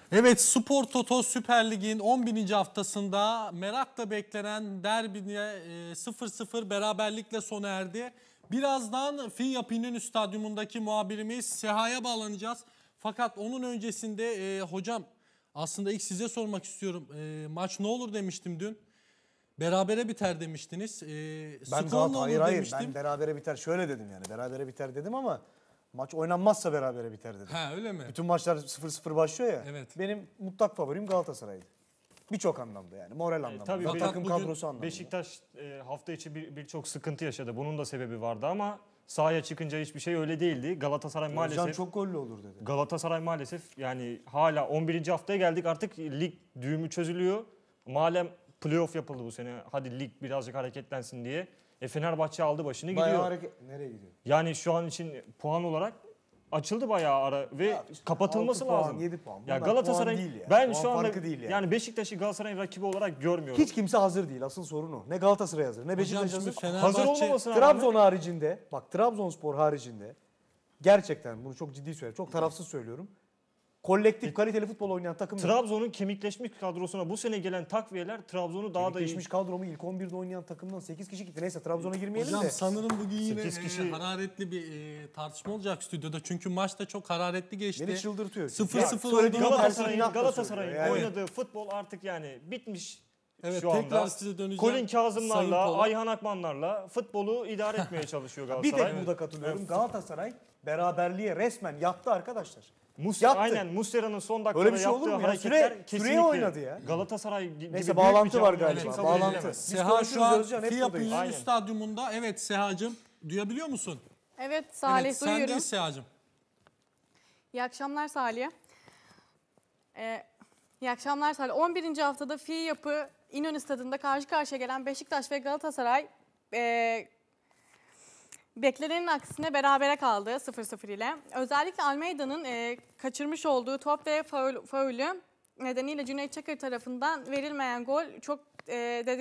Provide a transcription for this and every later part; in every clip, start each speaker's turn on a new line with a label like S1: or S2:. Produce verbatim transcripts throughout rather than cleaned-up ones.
S1: Evet, Spor Toto Süper Lig'in on bininci haftasında merakla beklenen derbine sıfır sıfır beraberlikle sona erdi. Birazdan Finyap İnönü Stadyumundaki muhabirimiz Seha'ya bağlanacağız. Fakat onun öncesinde e, hocam aslında ilk size sormak istiyorum. E, maç ne olur demiştim dün. Berabere biter demiştiniz. E,
S2: ben
S1: skor
S2: Galata,
S1: ne olur
S2: hayır hayır
S1: demiştim.
S2: ben berabere biter şöyle dedim yani. Berabere biter dedim ama maç oynanmazsa berabere biter dedim.
S1: Ha öyle mi?
S2: Bütün maçlar sıfır sıfır başlıyor ya.
S1: Evet.
S2: Benim mutlak favorim Galatasaray'dı. Birçok anlamda yani. Moral anlamda.
S3: tabii
S2: ve
S3: bir-
S2: takım
S1: bugün
S2: kadrosu anlamda.
S3: Beşiktaş e, hafta içi bir- birçok sıkıntı yaşadı. Bunun da sebebi vardı ama sahaya çıkınca hiçbir şey öyle değildi. Galatasaray maalesef
S2: Özcan çok gollü olur dedi.
S3: Galatasaray maalesef yani hala on birinci haftaya geldik, artık lig düğümü çözülüyor. Malum playoff yapıldı bu sene. Hadi lig birazcık hareketlensin diye. E Fenerbahçe aldı başını
S2: Bayağı
S3: gidiyor.
S2: hareket... Nereye gidiyor?
S3: Yani şu an için puan olarak açıldı bayağı ara ve
S2: Ya işte
S3: kapatılması
S2: altı puan,
S3: lazım.
S2: yedi puan.
S3: Ya
S2: Bunlar
S3: Galatasaray'ın
S2: puan değil yani.
S3: ben
S2: Puan
S3: şu anda
S2: farkı değil yani.
S3: yani Beşiktaş'ı Galatasaray'ın rakibi olarak görmüyorum.
S2: Hiç kimse hazır değil. Asıl sorun o. Ne Galatasaray hazır, ne
S1: Hocam
S2: Beşiktaş
S1: şimdi
S2: hazır.
S1: Fenerbahçe...
S3: Hazır olmamasına
S2: Trabzon
S3: rağmen
S2: haricinde, bak Trabzonspor haricinde gerçekten bunu çok ciddi söylüyorum. Çok tarafsız söylüyorum. Kolektif kaliteli futbol oynayan takım yok.
S3: Trabzon'un kemikleşmiş kadrosuna bu sene gelen takviyeler Trabzon'u daha da iyi.
S2: Geçmiş kadromu ilk on birde oynayan takımdan sekiz kişi gitti. Neyse Trabzon'a girmeyelim
S1: Hocam
S2: de.
S1: sanırım bugün yine
S3: sekiz
S1: e,
S3: kişi-
S1: hararetli bir e, tartışma olacak stüdyoda. Çünkü maç da çok hararetli geçti.
S2: Beni çıldırtıyor.
S1: sıfır
S2: Ya,
S1: sıfır
S2: söylediğin
S1: olduğunu
S2: Galatasaray'ın
S3: Galatasaray'ın
S2: inatla
S3: Galatasaray'ın
S2: söylüyor. Yani-
S3: oynadığı futbol artık yani bitmiş.
S1: Evet,
S3: şu anda.
S1: tekrar size döneceğim.
S3: Colin
S1: Sayın
S3: Kazımlarla,
S1: Polat.
S3: Ayhan Akmanlarla futbolu idare etmeye çalışıyor
S2: Bir
S3: Galatasaray.
S2: tek burada katılıyorum. Galatasaray beraberliğe resmen yattı arkadaşlar.
S3: Mus
S2: Yattı.
S3: Aynen Muslera'nın son dakikada
S2: Öyle bir şey olur
S3: yaptığı
S2: mu ya?
S3: hareketler
S2: Süre-
S3: kesinlikle
S2: süreye oynadı ya.
S3: Galatasaray gi- gibi
S2: Neyse,
S3: büyük
S2: bağlantı
S3: bir
S2: var
S3: camianın
S2: galiba,
S3: kabul
S2: bağlantı.
S3: edilemez.
S2: Biz
S1: Seha
S2: konuşuruz
S1: şu an
S2: Özcan, hep
S1: Finyap
S2: buradayız.
S1: İnönü
S3: Aynen.
S1: Stadyumunda. Evet Seha'cığım duyabiliyor musun?
S4: Evet Salih
S1: evet,
S4: duyuyorum.
S1: sendeyiz Seha'cığım.
S4: İyi akşamlar Salih. Ee, iyi akşamlar Salih. on birinci haftada Fi Yapı İnönü Stadı'nda karşı karşıya gelen Beşiktaş ve Galatasaray e, beklenenin aksine berabere kaldı sıfır sıfır ile. Özellikle Almeida'nın e, kaçırmış olduğu top ve faul, faulü nedeniyle Cüneyt Çakır tarafından verilmeyen gol çok e, dedik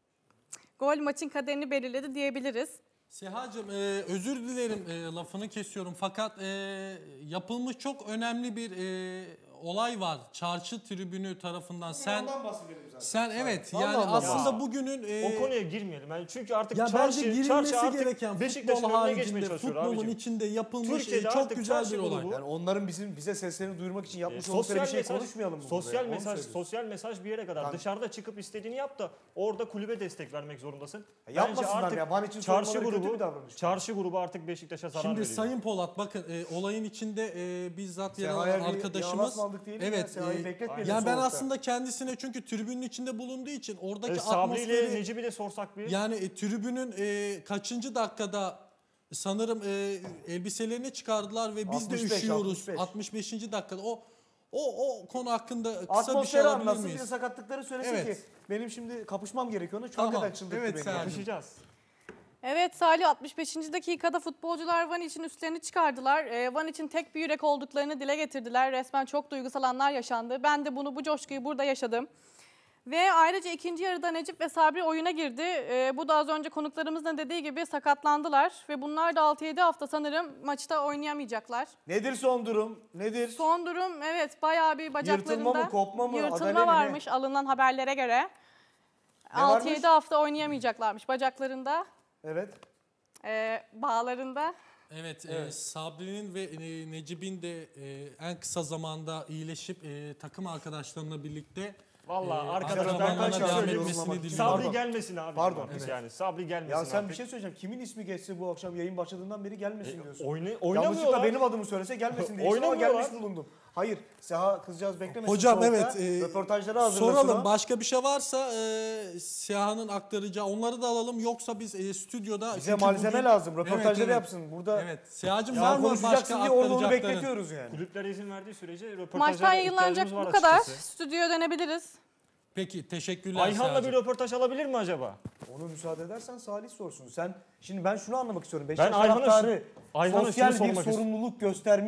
S4: gol maçın kaderini belirledi diyebiliriz.
S1: Seha'cığım e, özür dilerim e, lafını kesiyorum fakat e, yapılmış çok önemli bir e, olay var. Çarşı tribünü tarafından. Sen
S2: Ondan bahsedelim zaten.
S1: sen evet
S2: Vallahi
S1: yani
S2: ondan
S1: aslında
S3: bahsedelim.
S1: bugünün e,
S3: O konuya girmeyelim. Yani çünkü artık
S1: ya
S3: çarşı,
S1: bence girilmesi
S3: çarşı artık
S1: gereken
S3: Beşiktaş'ın
S1: futbol
S3: önüne geçmeye
S1: haricinde
S3: çalışıyor
S1: futbolun
S3: abicim.
S1: içinde yapılmış
S3: Türkiye'de
S1: e, çok
S3: artık
S1: güzel
S3: çarşı
S1: bir olay.
S3: grubu-
S2: Yani onların bizim bize seslerini duyurmak için yapmış
S3: E,
S2: oldukları bir
S3: sosyal
S2: şey
S3: mesaj,
S2: konuşmayalım mı
S3: sosyal
S2: burada ya? Onu
S3: mesaj,
S2: söylüyorum.
S3: sosyal mesaj bir yere kadar.
S2: Tamam.
S3: Dışarıda çıkıp istediğini yap da orada kulübe destek vermek zorundasın.
S2: Ya yapmasınlar ya, Van için
S3: çarşı
S2: sormaları kötü
S3: grubu,
S2: bir davranış.
S3: çarşı grubu artık Beşiktaş'a zarar
S1: Şimdi
S3: veriyor.
S1: Sayın Polat bakın e, olayın içinde e, bizzat yer alan
S2: Seha'ya bir
S1: arkadaşımız.
S2: yağlas mı aldık diyelim ya,
S1: Evet.
S2: Seha'yı
S1: e,
S2: bekletmeyelim
S1: yani ben
S2: soğukta.
S1: aslında kendisine çünkü tribünün içinde bulunduğu için oradaki
S3: E, Sabri ile
S1: atmosferi
S3: Necip'i de sorsak bir.
S1: yani e, tribünün e, kaçıncı dakikada sanırım e, elbiselerini çıkardılar ve biz de
S2: altmış beş,
S1: üşüyoruz.
S2: altmış beş.
S1: altmış beşinci dakikada o o o konu hakkında kısa bir şey
S2: Atmosferi
S1: alabilir
S2: anlatsın, bir de
S1: miyiz?
S2: sakatlıkları söylesin
S1: Evet.
S2: ki benim şimdi kapışmam gerekiyor. Ona çok
S1: Tamam.
S2: kadar çıldırttı
S1: Evet,
S2: beni.
S1: Seha'cığım.
S2: yani.
S3: Konuşacağız.
S4: Evet Salih altmış beşinci dakikada futbolcular Van için üstlerini çıkardılar. Ee, Van için tek bir yürek olduklarını dile getirdiler. Resmen çok duygusal anlar yaşandı. Ben de bunu bu coşkuyu burada yaşadım. Ve ayrıca ikinci yarıda Necip ve Sabri oyuna girdi. Ee, bu da az önce konuklarımızın dediği gibi sakatlandılar. Ve bunlar da altı yedi hafta sanırım maçta oynayamayacaklar.
S2: Nedir son durum? Nedir?
S4: Son durum evet bayağı bir bacaklarında
S2: Yırtılma mı, kopma mı,
S4: yırtılma
S2: adale mi ne?
S4: varmış alınan haberlere göre.
S2: Ne
S4: altı
S2: varmış?
S4: yedi hafta oynayamayacaklarmış bacaklarında,
S2: Evet.
S4: e, bağlarında.
S1: Evet, e,
S2: Evet.
S1: Sabri'nin ve e, Necip'in de e, en kısa zamanda iyileşip e, takım arkadaşlarına birlikte
S3: Vallahi
S1: e,
S3: arkadaşlar, ben
S1: antrenmanlarına
S3: kaç
S1: devam
S3: söylüyorum
S1: etmesini
S2: ama-
S1: diliyorum.
S3: Sabri
S2: Pardon.
S3: gelmesin abi.
S2: Pardon.
S3: Artık
S2: Evet.
S3: yani Sabri gelmesin
S2: Ya sen
S3: artık.
S2: bir şey söyleyeceğim. Kimin ismi geçse bu akşam yayın başladığından beri gelmesin diyorsun.
S3: Oyna,
S2: Yanlışlıkla
S3: oynamıyorlar.
S2: benim adımı söylese gelmesin diye ama
S3: Oynamıyorlar.
S2: gelmiş bulundum. Hayır, Seha kızcağız beklemesin.
S1: Hocam
S2: soğukta.
S1: evet, e,
S2: Röportajları hazırlasın
S1: soralım
S2: o.
S1: başka bir şey varsa e, Siyah'ın aktaracağı onları da alalım yoksa biz e, stüdyoda...
S2: Bize
S1: çünkü
S2: malzeme
S1: bugün-
S2: lazım. Röportajları
S1: Evet, evet.
S2: yapsın. Burada
S1: Evet, Siyah'cığım
S2: ya
S1: var mı
S2: konuşacaksın
S1: başka
S2: diye orada onu
S1: aktaracakların?
S2: bekletiyoruz yani.
S3: Kulüpler izin verdiği sürece röportajlara
S4: Maçtan yayınlanacak
S3: ihtiyacımız var
S4: bu kadar.
S3: açıkçası.
S4: Stüdyoya dönebiliriz.
S1: Peki, teşekkürler
S3: Ayhan'la bir
S1: Siyah'cığım.
S3: röportaj alabilir mi acaba?
S2: Onu müsaade edersen Salih sorsun. Sen şimdi ben şunu anlamak istiyorum. Beşiktaş
S3: Ayhan'a
S2: taraftarı
S3: şu- Ayhan'a
S2: sosyal
S3: şunu
S2: bir
S3: sormak
S2: sorumluluk göstermiş.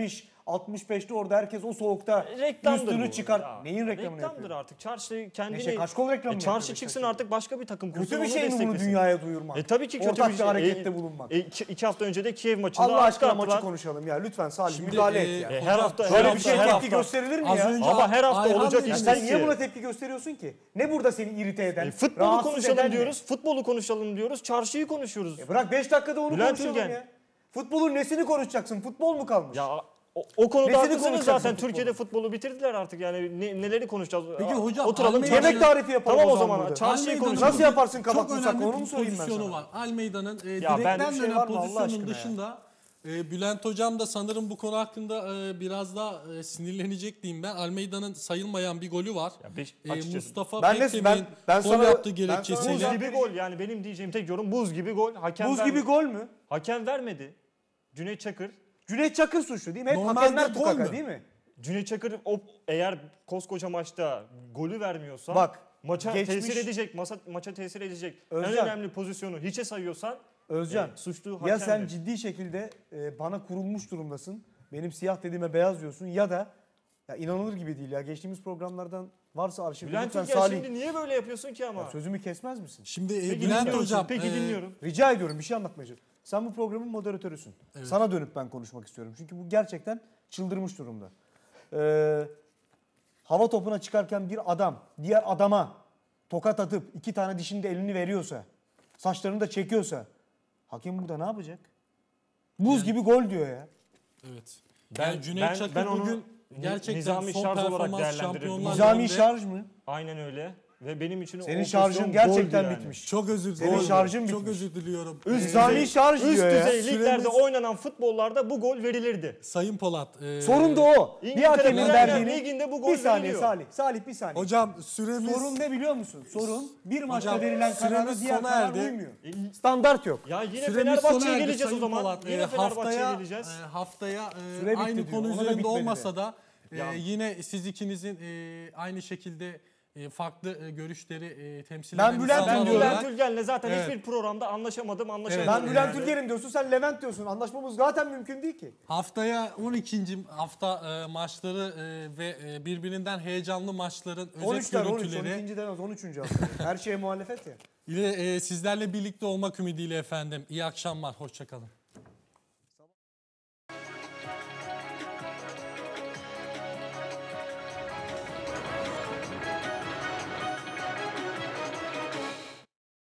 S2: altmış beşte orada herkes o soğukta
S3: Reklamdır
S2: üstünü
S3: bu.
S2: çıkar.
S3: Ya,
S2: Neyin reklamını
S3: Reklamdır
S2: yapıyor?
S3: artık. Çarşı kendini...
S2: Neşe Kaşkol reklamı mı
S3: E, çarşı
S2: yapıyor
S3: çıksın
S2: Beşiktaş'ın?
S3: artık başka bir takım kursun.
S2: Kötü bir
S3: onu
S2: şey mi bunu
S3: desteklesin.
S2: dünyaya duyurmak?
S3: E tabii ki kötü
S2: Ortak
S3: bir
S2: bir
S3: şey.
S2: harekette
S3: E,
S2: bulunmak.
S3: E, iki, iki hafta önce de Kiev maçında
S2: Allah aşkına
S3: attılar.
S2: maçı konuşalım ya. Lütfen Salih
S1: Şimdi,
S2: müdahale
S1: e,
S2: et ya.
S3: E, her
S1: hocam,
S3: hafta her
S2: Böyle
S3: hafta
S2: bir şey
S3: her
S2: tepki
S3: hafta.
S2: gösterilir mi
S1: Az
S2: ya?
S1: önce
S3: Ama her hafta
S1: Ayhan
S3: olacak
S1: Bey-
S2: Ya
S3: iş
S2: sen
S3: değil
S2: niye
S3: ki.
S2: buna tepki gösteriyorsun ki? Ne burada seni irite eden?
S3: E, futbolu
S2: rahatsız
S3: konuşalım
S2: eden ne?
S3: diyoruz. Futbolu konuşalım diyoruz. Çarşıyı konuşuyoruz.
S2: E bırak beş dakikada onu
S3: Bülent
S2: konuşalım
S3: Ülgen.
S2: ya. Futbolun nesini konuşacaksın? Futbol mu kalmış?
S3: Ya o, o konuda
S2: Nesini
S3: haklısınız
S2: konuşacaksın
S3: zaten.
S2: futbolu?
S3: Türkiye'de futbolu bitirdiler artık. Yani ne- neleri konuşacağız?
S1: Peki
S3: Aa,
S1: hocam,
S3: oturalım
S1: Almeyda-
S3: çarşı-
S2: Yemek tarifi yapalım
S3: Tamam
S2: o
S3: o
S2: zaman
S3: zaman.
S2: burada.
S3: Çarşıyı
S1: Almeida'nın
S3: konuşalım.
S2: Nasıl yaparsın kabak
S1: çok
S2: tutsak,
S1: önemli
S2: onu mu
S1: bir
S2: sorayım ben
S1: pozisyonu
S2: sana?
S1: var. Almeida'nın e,
S3: Ya
S1: direkten
S3: ben-
S2: bir şey
S1: dönen
S2: var mı Allah
S1: pozisyonun
S2: aşkına ya?
S1: dışında e, Bülent Hocam da sanırım bu konu hakkında e, biraz daha e, sinirlenecek diyeyim ben. Almeida'nın sayılmayan bir golü var.
S3: Ya beş-
S1: E,
S3: açıkçası.
S1: Mustafa
S2: Ben de-
S1: Pektem'in
S2: ben- ben
S1: gol
S2: sana-
S1: yaptığı
S2: ben
S1: gerekçesiyle.
S3: Buz
S2: sana-
S3: gibi gol yani benim diyeceğim tek yorum buz gibi gol. Hakem
S2: Buz
S3: vermedi.
S2: gibi gol mü?
S3: Hakem vermedi. Cüneyt Çakır.
S2: Cüneyt Çakır suçlu değil mi? Hep
S1: Normalde
S2: hakemler
S1: gol
S2: tukaka
S1: mü?
S2: değil mi?
S3: Cüneyt Çakır o eğer koskoca maçta golü vermiyorsa
S2: Bak,
S3: maça
S2: geçmiş-
S3: tesir edecek, masa, maça tesir edecek
S2: Özcan.
S3: en önemli pozisyonu hiçe sayıyorsan
S2: Özcan,
S3: e, suçlu
S2: ya
S3: hakemdir.
S2: sen ciddi şekilde e, bana kurulmuş durumdasın. Benim siyah dediğime beyaz diyorsun ya da ya inanılır gibi değil ya. Geçtiğimiz programlardan varsa arşivde
S3: Bülent
S2: lütfen
S3: Ülgen
S2: Salih
S3: şimdi niye böyle yapıyorsun ki ama?
S2: ya sözümü kesmez misin?
S1: Şimdi e,
S3: Peki
S1: Bülent
S3: dinliyorum,
S1: Hocam
S3: Peki
S1: e,
S3: dinliyorum.
S2: Rica ediyorum bir şey anlatmaya çalışıyorum. Sen bu programın moderatörüsün. Sana dönüp ben konuşmak istiyorum. Çünkü bu gerçekten çıldırmış durumda. Ee, hava topuna çıkarken bir adam diğer adama tokat atıp iki tane dişinde elini veriyorsa, saçlarını da çekiyorsa hakem burada ne yapacak? Buz gibi gol diyor ya.
S1: Evet.
S3: Ben-
S1: yani Cüneyt
S3: ben-
S1: Çakır
S3: ben onu
S1: bugün
S3: ni-
S1: gerçekten
S3: nizami
S1: son
S3: şarj olarak
S1: performans
S3: değerlendiririm.
S1: Şampiyonlar
S2: Nizami
S1: Ligi'nde-
S2: şarj mı?
S3: Aynen öyle. Ve benim için
S2: Senin
S3: o
S2: şarjın
S3: pozisyon
S2: gerçekten
S3: goldü yani.
S2: bitmiş.
S1: Çok özür
S2: Senin
S1: dilerim.
S2: şarjın
S1: Çok
S2: bitmiş.
S1: özür diliyorum.
S3: Üst
S2: Nizami
S3: düzey-
S2: şarj
S3: üst
S2: diyor ya.
S3: düzey liglerde
S1: Süremiz-
S3: oynanan futbollarda bu gol verilirdi.
S1: Sayın Polat. e,
S2: Sorun da o. Bir
S3: İngiltere
S2: hakemin
S3: Premier
S2: verdiğini...
S3: Ligi'nde bu gol
S2: Bir saniye
S3: veriliyor.
S2: Salih. Salih bir saniye.
S1: Hocam süremiz...
S2: Sorun ne biliyor musun? Sorun bir maçta
S1: Hocam,
S2: verilen karara
S1: süremiz
S2: diğer
S1: sona
S2: karar
S1: erdi.
S2: uymuyor.
S3: E,
S2: Standart yok.
S3: Ya yine
S1: Süremiz sona
S3: Fenerbahçe'ye
S1: erdi
S3: geleceğiz o
S1: Sayın
S3: zaman.
S1: Polat.
S3: Yine
S1: Ee,
S3: Fenerbahçe'ye
S1: haftaya,
S3: geleceğiz.
S1: e, haftaya e,
S2: Süre bitti
S1: aynı
S2: diyor.
S1: konu
S2: Ona da
S1: üzerinde
S2: bitmedi de.
S1: olmasa da e,
S3: Ya.
S1: yine siz ikinizin e, aynı şekilde e, farklı e, görüşleri e, temsil
S2: Ben
S1: eden
S2: Bülent
S1: insanlar
S3: Ben
S2: diyorum.
S1: olarak-
S3: Bülent Ülgen'le zaten
S1: Evet.
S3: hiçbir programda anlaşamadım, anlaşamadım.
S1: Evet.
S2: Ben Bülent
S1: yani.
S2: Ülgen'im diyorsun, sen Levent diyorsun. Anlaşmamız zaten mümkün değil ki.
S1: Haftaya on ikinci hafta e, maçları e, ve e, birbirinden heyecanlı maçların özet
S2: on üçler on üç, on
S1: görüntüleri
S2: ikinci demez on üçüncü hafta. Her şeye muhalefet ya.
S1: ile e, sizlerle birlikte olmak ümidiyle efendim. İyi akşamlar, hoşçakalın.